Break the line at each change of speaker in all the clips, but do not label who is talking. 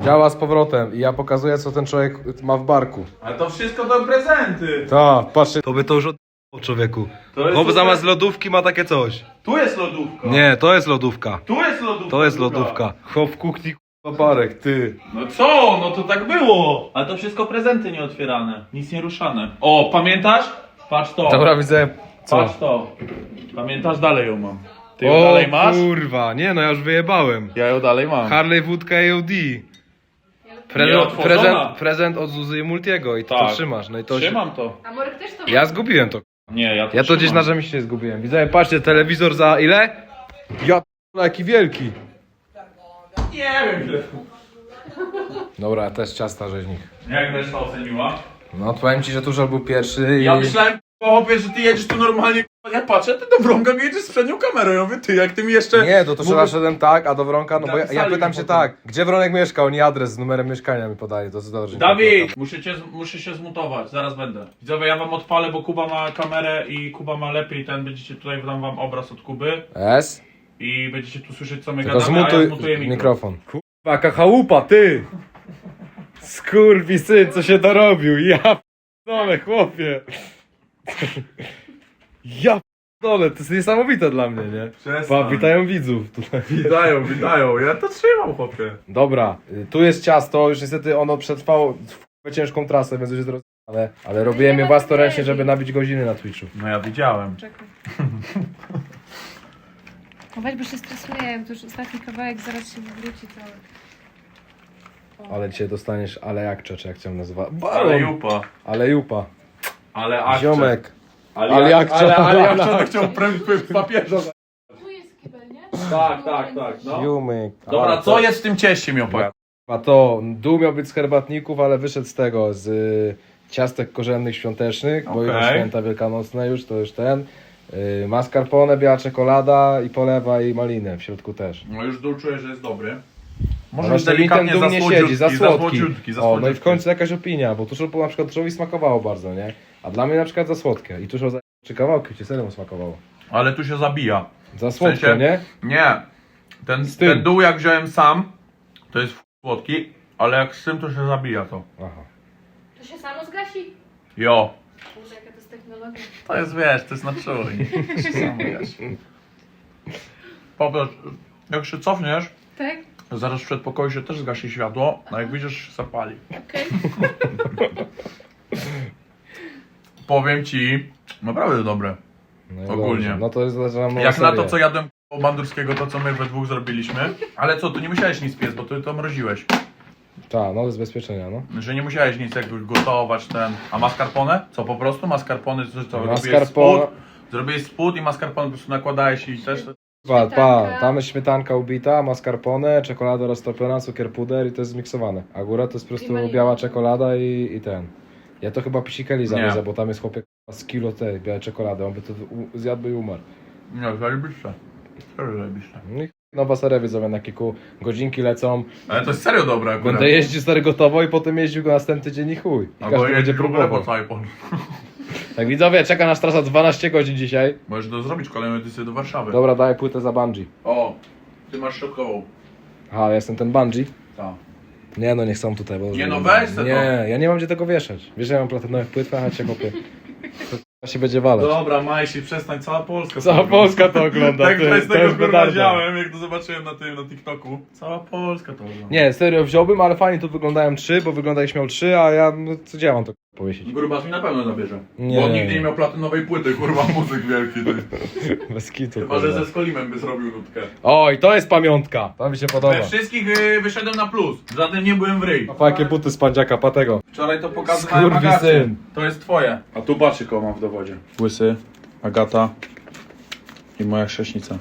Działa z powrotem i ja pokazuję, co ten człowiek ma w barku.
Ale to wszystko to prezenty.
Tak, patrzcie. To by to już od... człowieku.
To jest
No bo
super.
zamiast lodówki ma takie coś.
Tu jest lodówka.
Nie, to jest lodówka.
Tu jest lodówka.
To jest lodówka. Chłop w kuchni barek, ty.
No co? No to tak było. Ale to wszystko prezenty nieotwierane. Nic nie ruszane. O, pamiętasz? Patrz to.
Dobra, widzę. Co?
Patrz to. Pamiętasz? Dalej ją mam. Ty ją
O
dalej masz?
kurwa, nie no ja już wyjebałem.
Ja ją dalej mam.
Harley Wódka AOD.
Nieotworzona.
Prezent od Zuzy i Multiego i ty to
Tak.
trzymasz. No i to
Trzymam to.
A Morek też to
Ja zgubiłem to.
Nie, ja to
Ja to gdzieś
trzymam.
na rzemieślnie zgubiłem. Widzę, patrzcie, telewizor za ile? Ja p***a, jaki wielki.
Nie wiem ile.
Dobra, też ciasta rzeźnik.
Jak reszta oceniła?
No powiem ci, że Tuszol był pierwszy i...
Ja myślałem, chłopie, że ty jedziesz tu normalnie. Ja patrzę, ty do Wronka jedziesz z przednią kamerą. Ja mówię, ty, jak ty mi jeszcze...
Nie, do Tuszela szedłem tak, a do Wronka, no bo ja
Napisali
pytam
mi
się
potem.
tak, gdzie Wronek mieszka, oni adres z numerem mieszkania mi podaje, to co dobrze.
Dawid! Muszę się zmutować, zaraz będę. Widzowie, ja wam odpalę, bo Kuba ma kamerę i Kuba ma lepiej będziecie tutaj, dam wam obraz od Kuby
S?
i będziecie tu słyszeć, co my
Tylko
gadamy, a ja
zmutuj
zmutuję
mikrofon. Kurwa, jaka chałupa, ty! Skurwisyn, co się dorobił, ja p***dolę, chłopie. Ja p***dolę, to jest niesamowite dla mnie, nie?
Przestań.
Witają widzów tutaj.
Witają, ja to trzymam, chłopie.
Dobra, tu jest ciasto, już niestety ono przetrwało ciężką trasę, więc już jest ale robiłem je własnoręcznie, żeby nabić godziny na Twitchu.
No ja widziałem.
Czekaj. No weź, bo się stresuję, to już ostatni kawałek, zaraz się wywróci cały.
Ale dzisiaj dostaniesz alejakcze, czy jak chciałem nazywać.
Ale jupa.
Alejupa.
Ale akcze.
Ziomek.
Ale
akcze.
Ale akcze to chciał papieża.
Tu jest kibel, nie?
Tak, no.
Ziomek.
Dobra, co jest w tym cieście, Miopak?
A to dół miał być z herbatników, ale wyszedł z tego, z ciastek korzennych świątecznych, bo już
Okej.
święta wielkanocne już, to już ten. Mascarpone, biała czekolada i polewa i malinę w środku też.
No już dół czuję, że jest dobry.
No
Może
właśnie mi ten dół nie siedzi, za słodki. O, no i w końcu jakaś opinia, bo tuż na przykład Tuszowi smakowało bardzo, nie? A dla mnie na przykład za słodkie. I tuż czy kawałki ci serio mu smakowało.
Ale tu się zabija.
Za słodko,
sensie-
nie?
Nie.
tym.
Ten dół jak wziąłem sam, to jest słodki, ale jak z tym to się zabija to.
Aha.
To się samo zgasi.
Jo.
Boże, jaka to jest technologia.
To jest, wiesz, to jest na czujnik. Sam wiesz. Popatrz, jak się cofniesz,
Tak?
to zaraz w przedpokoju się też zgasi światło, a jak widzisz, się zapali.
Okej.
Powiem ci, naprawdę dobre.
No i
Ogólnie.
dobrze. No to jest zaczynam
Jak na to, co jadłem u Bandurskiego, to co my we dwóch zrobiliśmy. Ale co, tu nie musiałeś nic piec, bo ty to mroziłeś.
Tak, no z bezpieczenia, no.
Że nie musiałeś nic jakby gotować ten. A mascarpone? Co po prostu? Mascarpone to robiłeś
Mascarpone-
spód? Zrobiłeś spód i mascarpone po prostu nakładałeś i też...
Tam jest śmietanka ubita, mascarpone, czekolada roztopiona, cukier puder i to jest zmiksowane. A góra to jest po prostu
malina.
biała czekolada i ten. Ja to chyba pisikeli zawiedzę,
Nie.
bo tam jest chłopiek z kilo tej białej czekolady, on by to zjadł i umarł.
Nie, zajebiście. Serio zajebiście.
No i nowa seria widzowie na kilku godzinki lecą.
Ale to jest serio dobre akurat.
Będę jeździł stary gotowo i potem jeździł go następny dzień i chuj. I
Albo
każdy będzie
jeździć w ogóle po
próbował.
całej Polsce.
Tak widzowie, czeka nas trasa 12 godzin dzisiaj.
Możesz to zrobić kolejną edycję do Warszawy.
Dobra, daję płytę za bungee.
O, ty masz szokową.
Aha, ja jestem ten bungee.
Tak.
Nie no, nie chcą tutaj, bo...
Nie no, weź se to.
Nie, ja nie mam gdzie tego wieszać. Wiesz, że ja mam platynowych płyt, a cię kopię. To się będzie walać.
Dobra, Majsi, przestań, cała Polska.
Cała Polska to ogląda,
Tak,
ty,
to jest
to
tego
jest
kurwa
petarda.
wziąłem, jak to zobaczyłem na tym, na TikToku. Cała Polska to ogląda.
Nie, serio wziąłbym, ale fajnie tu wyglądają 3, bo wyglądałeś miał 3, a ja, no co ja mam to powiesić?
Grubas mi na pewno zabierze.
Nie.
Bo on nigdy nie miał platynowej płyty, kurwa, muzyk wielki. Ty.
Bez kitu.
Chyba, że
kurwa.
ze Skolimem by zrobił nutkę.
Oj, to jest pamiątka. To mi się podoba.
We wszystkich wyszedłem na plus. Żadnym nie byłem w ryj.
Jakie buty z pandziaka patego.
Wczoraj to pokazywałem
Skurwysyn.
Agacie. To jest twoje. A tu patrzcie, kogo mam w dowodzie. Łysy, Agata i moja chrześnica.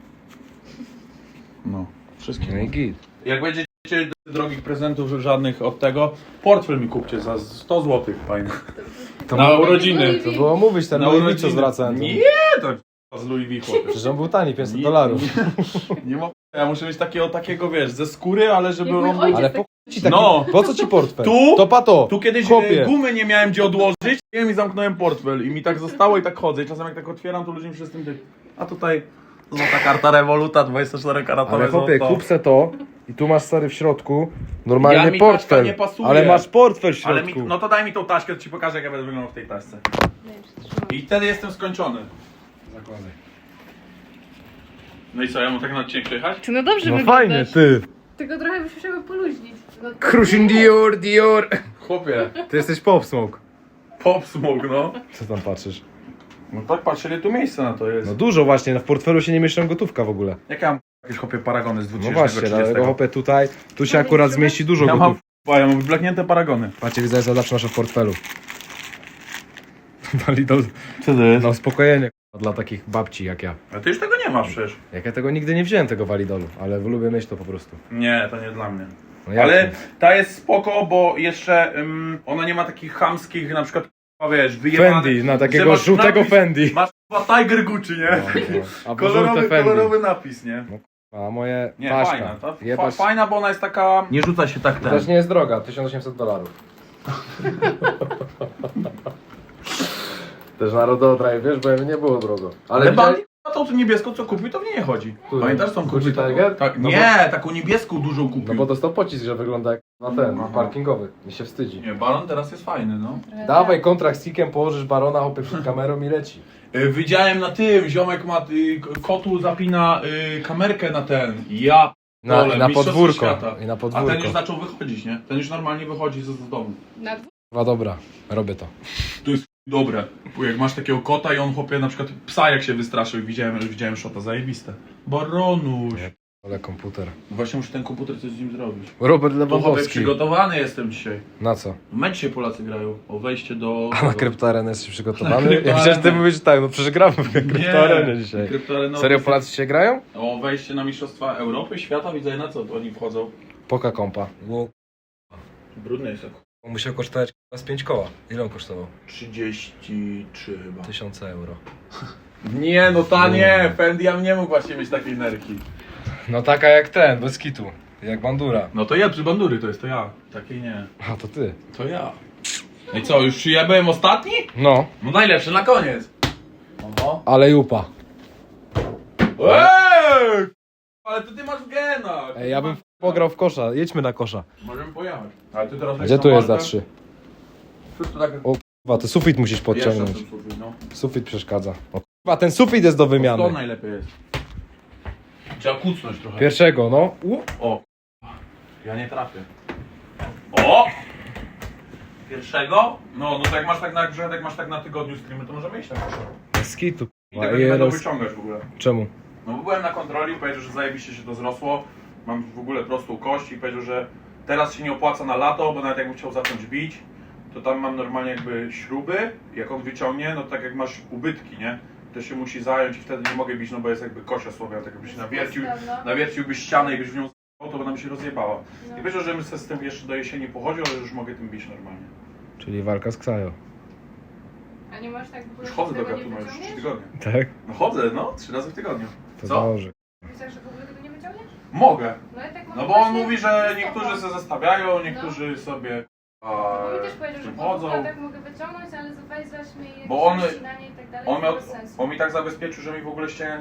No, wszystkich.
No i git.
Jak będziecie drogich prezentów żadnych od tego, portfel mi kupcie za 100 zł, fajny. Na urodziny.
To było mówić, ten
Na
Louis V,
urodziny.
co zwracałem.
Nie, to z Louis V, chłopie.
Przecież on był tani, $500.
Nie ma. Ja muszę mieć takiego, wiesz, ze skóry, ale żeby
Jak mój
on był...
ojciec.
Ale po ci taki,
No.
po co ci portfel?
Tu?
To pato.
Tu kiedyś
Chłopie.
gumy nie miałem gdzie odłożyć, ja mi zamknąłem portfel i mi tak zostało i tak chodzę i czasem jak tak otwieram, to ludzie mi się z tym... A tutaj Złota karta Revoluta, 24-karatowe
Ale chłopie,
złoto.
kup se to i tu masz stary w środku normalnie
Ja mi taśka
portfel.
nie pasuje.
Ale masz portfel w
Ale
środku.
no to daj mi tą taśkę, to ci pokażę, jak ja będę wyglądał w tej taśce. I wtedy jestem skończony.
Zakładaj.
No i co, ja mam tak na odcinek przyjechać?
Ty no dobrze
No
wyglądasz.
fajnie, ty.
Tylko trochę byś musiał poluźnić. No,
Crushing Dior, Dior.
Chłopie,
Ty jesteś Pop Smoke.
pop smoke, no.
Co tam patrzysz?
No tak, patrz, ile tu miejsca na to jest.
No dużo właśnie, no w portfelu się nie mieszczą gotówka w ogóle.
Jak ja mam jakieś chłopie paragony z
No
2030?
właśnie, dlatego chłopie tutaj, tu się akurat zmieści dużo
Ja mam,
gotówki.
ja mam wyblaknięte paragony.
Patrzcie, widzę, co zawsze masz w portfelu. Walidol,
Co to jest?
no uspokojenie dla takich babci jak ja.
A ty już tego nie masz przecież.
Jak ja tego nigdy nie wziąłem, tego walidolu, ale lubię mieć to po prostu.
Nie, to nie dla mnie.
No jak
Ale
to?
ta jest spoko, bo jeszcze ona nie ma takich chamskich, na przykład, wiesz, wyjebanych.
Fendi, na
że
takiego
masz
żółtego
napis-
Fendi.
Masz chyba Tiger Gucci, nie?
No, no. Albo żółte Fendi.
Kolorowy napis, nie?
A moje
Nie,
paśka.
fajna. Ta,
Jebać...
fajna, bo ona jest taka... Nie rzuca się tak
To też nie jest droga, $1800. Też narodowy, wiesz, bo nie było drogo.
Ale
widziałeś-
Bandi na tą niebieską, co kupił, to w niej nie chodzi.
Którą?
Pamiętasz tą
Gucci
kupił?
Tiger?
Tak,
No
nie, taką niebieską dużą kupił.
No bo dostał pocisk, że wygląda jak na ten,
Aha.
parkingowy. Mi się wstydzi.
Nie, balon teraz jest fajny, no.
Dawaj kontrakt z Sikiem, położysz barona, hopy przed kamerą i leci.
Widziałem na tym, ziomek ma, kotu zapina kamerkę na ten. Ja
Na,
dole,
i na
mistrzostwo
podwórko.
świata.
I na
A ten już
podwórko.
zaczął wychodzić, nie? Ten już normalnie wychodzi z domu.
Na dwóch.
No dobra, robię to.
To jest dobre. Bo jak masz takiego kota i on chłopie na przykład psa jak się wystraszył i widziałem szota, zajebiste. Baronuś.
Nie. Ale komputer.
Właśnie muszę ten komputer coś z nim zrobić.
Robert
To chłopie
Lewandowski.
przygotowany jestem dzisiaj.
Na co?
Mecz dzisiaj Polacy grają o wejście do...
A na kryptoarenę jesteś przygotowany?
Na kryptoarenę.
Ja myślałem, że ty mówisz tak, no przecież gramy w kryptoarenę dzisiaj.
Kryptoarena-
Serio Polacy się grają?
O wejście na Mistrzostwa Europy, Świata, widzę na co oni wchodzą.
Poka kompa. Bo
Brudny jest.
musiał kosztować z 5 koła. Ile on kosztował?
33 chyba.
1000 euro.
Nie, no ta nie, Fendi ja nie mógł właśnie mieć takiej nerki.
No taka jak ten, bez kitu. Jak bandura.
No to ja, przy bandury to jest, to ja. Takiej nie.
A to ty.
To ja. No i co, już ja byłem ostatni?
No,
No najlepszy na koniec. Oho.
ale jupa.
Eee! Ale to ty masz w genach.
Ej, ja bym pograł w kosza. Jedźmy na kosza.
Możemy pojechać. Ale ty teraz
A gdzie tu jest za 3?
Cóż to tak...
O kurwa, to sufit musisz podciągnąć.
Jeszcze ten sufit, no.
Sufit przeszkadza. O kurwa, ten sufit jest do
To
wymiany.
najlepiej jest. Trzeba kucnąć trochę.
Pierwszego, no.
O, ja nie trafię. O! Pierwszego? No to jak masz tak na grze, jak masz tak na tygodniu streamy, to możemy iść na koszar.
Z kitu.
I tego nie będą wyciągać w ogóle.
Czemu?
No bo byłem na kontroli, powiedział, że zajebiście się to zrosło. Mam w ogóle prostą kość i powiedział, że teraz się nie opłaca na lato, bo nawet jakbym chciał zacząć bić, to tam mam normalnie jakby śruby, jak on wyciągnie, no tak jak masz ubytki, nie? To się musi zająć i wtedy nie mogę bić, no bo jest jakby kosia słowia, tak jakbyś nawierciłbyś ścianę i byś w nią z***ał, to by nam się rozjebała. I powiedział, że bym sobie z tym jeszcze do jesieni pochodził, ale że już mogę tym bić normalnie.
Czyli walka z Ksajo.
A nie masz tak w ogóle
Już chodzę do
tego nie
Gatuma już 3
wyciągniesz?
tygodnie.
Tak?
No chodzę, no, 3 razy w tygodniu.
To
Co?
dobrze.
Myślisz, że w ogóle tego nie wyciągniesz?
Mogę.
No i tak
No
może
bo on
właśnie
mówi, że
z
niektórzy
tobą.
sobie zostawiają, niektórzy sobie
Bo mi też powiedział, że
chodzą.
po tak mogę wyciągnąć, ale weź mi jakieś
Bo on-
zacinanie i tak dalej,
On, miał,
bez sensu.
on mi tak zabezpieczył, że mi w ogóle ściana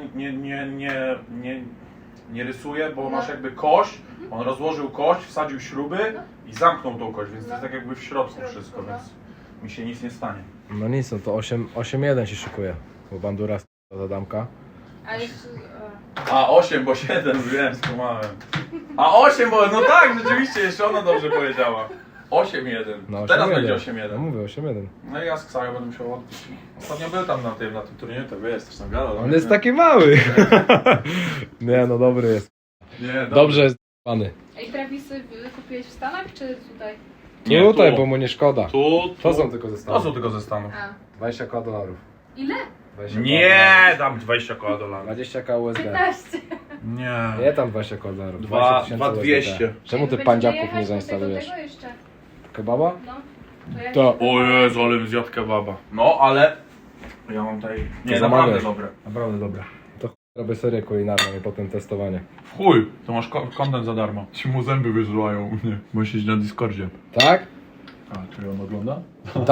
nie rysuje, bo
No.
masz jakby kość, on rozłożył kość, wsadził śruby
No.
i zamknął tą kość, więc to
No.
jest tak jakby w środku
W środku,
wszystko,
no.
więc mi się nic nie stanie.
No nic, no to 8-1 się szykuje. Bo bandura za damka.
A jeszcze...
A 8, bo 7, wiem, skłamałem. A 8, bo no tak, rzeczywiście, jeszcze ona dobrze powiedziała. 8-1.
No,
Teraz
8-1.
będzie
No
8-1.
mówię, 8-1.
No i ja z Ksajo będę musiał odbić. Ostatnio był tam na tym turnieju, to wiesz, też tam gadał.
On jest taki mały. Nie, no dobry jest.
Nie,
Dobrze jest pany.
Ej, Travisy kupiłeś w Stanach, czy tutaj?
Nie,
Tutaj,
tu.
bo mu nie szkoda.
Tu.
To są tylko ze
To
Stanów.
są tylko ze Stanów.
A.
$20
Ile?
20
Nie, dam 20 koła dolarów.
20 k USD.
15.
Nie.
Nie tam 20 dolarów.
200.
Czemu ty
Będziemy
pandziaków
jechać
nie
do
zainstalujesz?
tego jeszcze.
Kebaba?
No. To ja
To.
O Jezu, ale bym zjadł kebaba. No, ale... Ja mam tutaj... Nie,
To
naprawdę
zamawiasz.
dobre. Naprawdę dobre.
To robię serię kulinarną i potem testowanie.
W chuj, to masz content za darmo. Ci mu zęby wyżulają u mnie, bo siedzi na Discordzie.
Tak?
A, czyli on ogląda?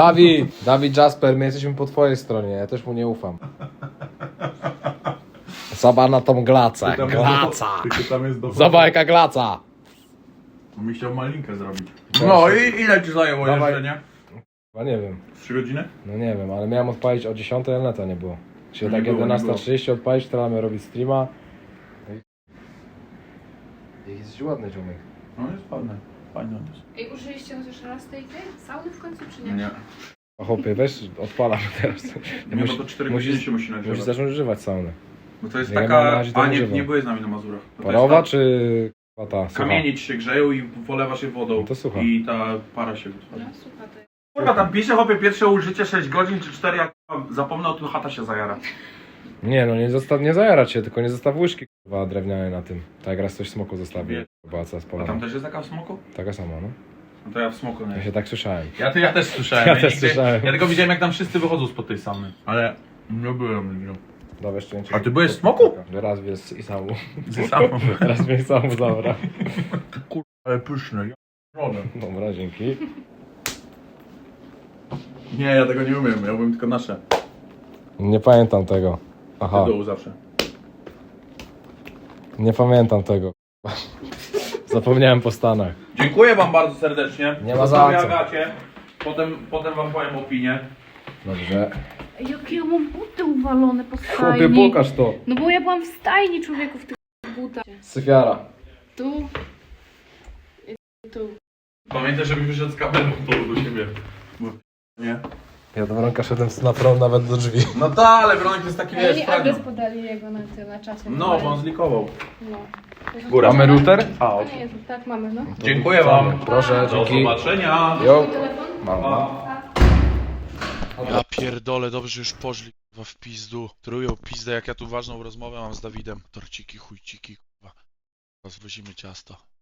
Dawid Jasper, my jesteśmy po twojej stronie, ja też mu nie ufam. Zobacz na tą glacę.
Tam
Glaca.
Tylko tam jest do...
Zobacz jaka glaca.
Mi chciał malinkę zrobić.
Cześć.
No i ile ci zajęło
Dawaj.
jeszcze, nie?
Chyba nie wiem.
3 godziny?
No nie wiem, ale miałem odpalić o 10, ale neta nie było. Czyli
Nie
tak
było, nie
11:30 odpalić, teraz mamy robić streama. Jest ładny ziomek.
No jest ładne. Fajne on jest.
Ej, użyliście chociaż raz tej sauny w końcu, czy nie?
Nie.
A chłopie, weź, odpalam teraz.
Nie, bo to 4 godziny się musi
Musisz
nagrywać.
zacząć używać saunę.
Bo to jest
Ja mam
taka...
na razie to
A nie,
używam.
nie byłeś z nami na Mazurach. To
Parowa
jest
czy ta?
ta...
Sucha?
Kamienie ci się grzeją i polewasz je wodą.
No to słucha.
I ta para się
No,
wytwarza.
słuchaj, to jest.
Kurwa, tam pisze chłopie pierwsze użycie 6 godzin czy 4, jak zapomnę, to chata się zajara.
Nie no, nie zajarać się, tylko nie zostaw łyżki kurwa drewniane na tym. Tak jak raz coś smoku zostawił. Chyba co
A
spalona.
tam też jest taka w smoku?
Taka sama, no.
No to ja w smoku nie.
Ja się tak słyszałem.
Ja też słyszałem.
Ja też słyszałem.
Ja tylko widziałem, jak tam wszyscy wychodzą spod tej sauny. Ale nie byłem nigdy.
Dobra, jeszcze nie.
A ty byłeś w smoku?
Raz wiesz i samu.
Ze samą.
Raz mnie samu zabrał.
Kurwa, ale pyszne.
Dobra, dzięki.
Nie, ja tego nie umiem, ja umiem tylko nasze.
Nie pamiętam tego. Aha,
Do dołu zawsze.
nie pamiętam tego. Zapomniałem po Stanach.
Dziękuję wam bardzo serdecznie.
Nie ma za
Zostawię
co.
Agacie. Potem wam powiem opinię.
Dobrze.
Ej, jakie ja mam buty uwalone po
Chłopie,
stajni.
pokaż to.
No bo ja byłam w stajni, człowieku, w tych butach.
Syfiara.
Tu. I tu.
Pamiętaj, żeby wyszedł z kamerą do siebie. Nie?
Ja do Wronka szedłem na prom nawet do drzwi.
No tak, ale Bronek jest taki,
Ej,
wiesz,
oni adres
fragment.
podali jego na czacie.
No, bo on zlikował.
No.
Góra.
Mamy router?
A,
A nie, tak mamy, no.
Dziękuję wam.
Proszę,
Do
dzięki.
zobaczenia.
Jo.
Telefon?
Mam.
Ja pierdolę, dobrze że już poszli kurwa w pizdu. Trują pizdę, jak ja tu ważną rozmowę mam z Dawidem. Torciki, chujciki, kurwa. Rozwozimy ciasto.